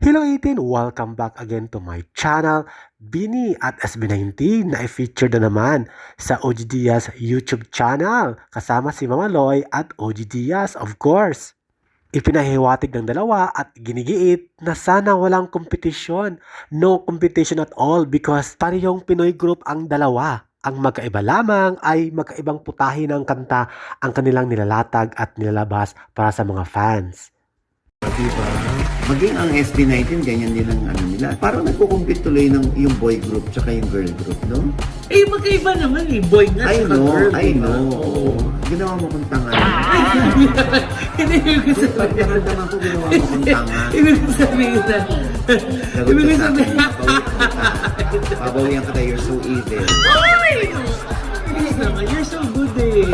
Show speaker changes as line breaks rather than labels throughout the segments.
Hello 18! Welcome back again to my channel. Bini at SB19 na i-feature na naman sa OG Diaz YouTube channel kasama si Mama Loy at OG Diaz of course. Ipinahiwatig ng dalawa at ginigiit na sana walang kompetisyon. No competition at all because parehong Pinoy group ang dalawa. Ang magkaiba lamang ay magkaibang putahe ng kanta ang kanilang nilalatag at nilalabas para sa mga fans.
Diba? Maging ang SB19, ganyan din ang ano nila. Parang nagkukumpit tuloy ng yung boy group tsaka yung girl group, no?
Eh, magkaiba naman eh. Boy nga
I
tsaka
know,
girl.
I
diba?
know.
Oo.
Ginawa mo kong tanga.
Hindi yung gusto
Pag naramdaman ko, ginawa mo kong tanga.
Ibig sabihin na.
Lagot
Ibig
ka sa akin.
sabihin.
Pabawihan ka tayo, you're so evil.
Ay! Please naman, you're so good eh.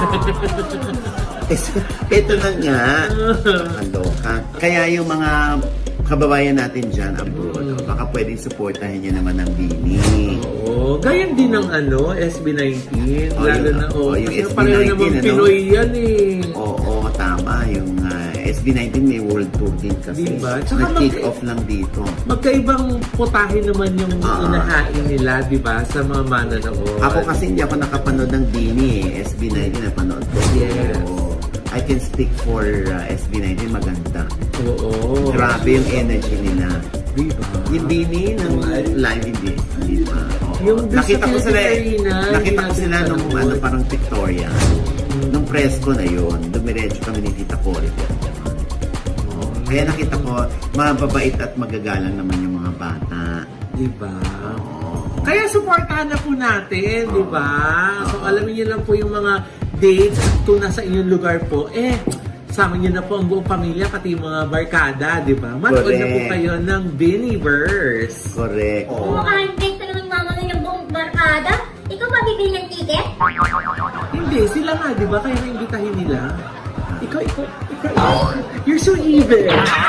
Ito na nga. Kaloka. Kaya yung mga kababayan natin dyan abroad, baka pwedeng supportahin niya naman ng Bini.
Oo, ganyan din ang SB19.
Oh,
Lalo
yun,
na,
yung
kasi
SB19,
pareho naman
ano?
Pinoy yan eh.
Oo, tama. Yung SB19 may world tour din kasi.
Diba? Tsaka
Nag-kick off lang dito.
Magkaibang putahe naman yung inahain nila, di ba? Sa mga mananood.
Ako kasi hindi ako nakapanood ng Bini eh. SB19 napanood ko.
Yes.
So, I can speak for SB19, maganda.
Oo.
Grabe yung energy nila.
Diba?
Yung Bini ng live hindi. Diba? Oo.
Yung
Nakita ko sila, nakita ko
yung
sila nung
nanood.
parang Victoria. Nung presko na yun, dumiretso kami ni Tita Cory. Kaya nakita ko, mababait at magagalang naman yung mga bata.
Diba? Kaya supportahan na po natin, di ba? So alamin niyo lang po yung mga dates kung nasa inyong lugar po. Sama niyo na po ang buong pamilya, pati yung mga barkada, di ba? Manood na po
Correct.
kayo ng Biniverse.
Correct.
Kung makahandate ka naman mama ng buong barkada, ikaw ba bibili ng ticket?
Hindi, sila nga, di ba? Kaya naimbitahin nila. Ikaw. You're so evil.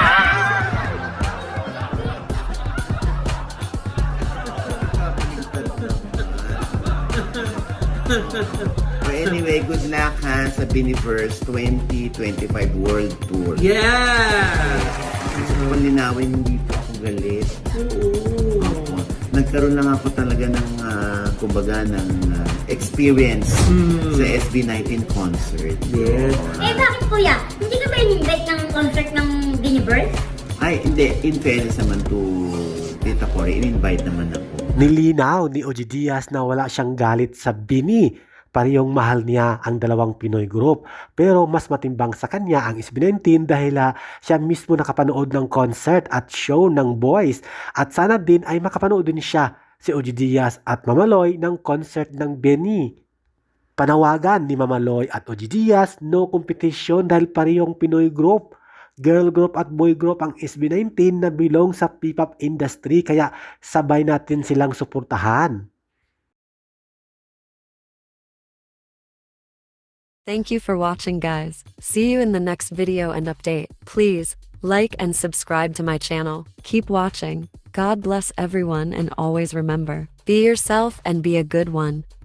So anyway, good luck ha sa Biniverse 2025 World Tour.
Yeah!
Gusto ko linawin, hindi po ako galit.
Oo.
Opo. Nagkaroon lang ako talaga ng, kumbaga, ng experience sa SB19 concert.
Yes.
Bakit kuya? Hindi ka ba in-invite ng concert ng Biniverse?
Ay, hindi. In fairness naman to Tita Cory, in-invite naman ako.
Nilinaw ni OG Diaz na wala siyang galit sa Bini. Parehong mahal niya ang dalawang Pinoy group. Pero mas matimbang sa kanya ang SB19 dahil siya mismo nakapanood ng concert at show ng boys. At sana din ay makapanood din siya si OG Diaz at Mama Loy ng concert ng Bini. Panawagan ni Mama Loy at OG Diaz, no competition dahil parehong Pinoy group. Girl group at boy group ang SB19 na belong sa P-pop industry kaya sabay natin silang suportahan.
Thank you for watching, guys. See you in the next video and update. Please like and subscribe to my channel. Keep watching. God bless everyone and always remember, be yourself and be a good one.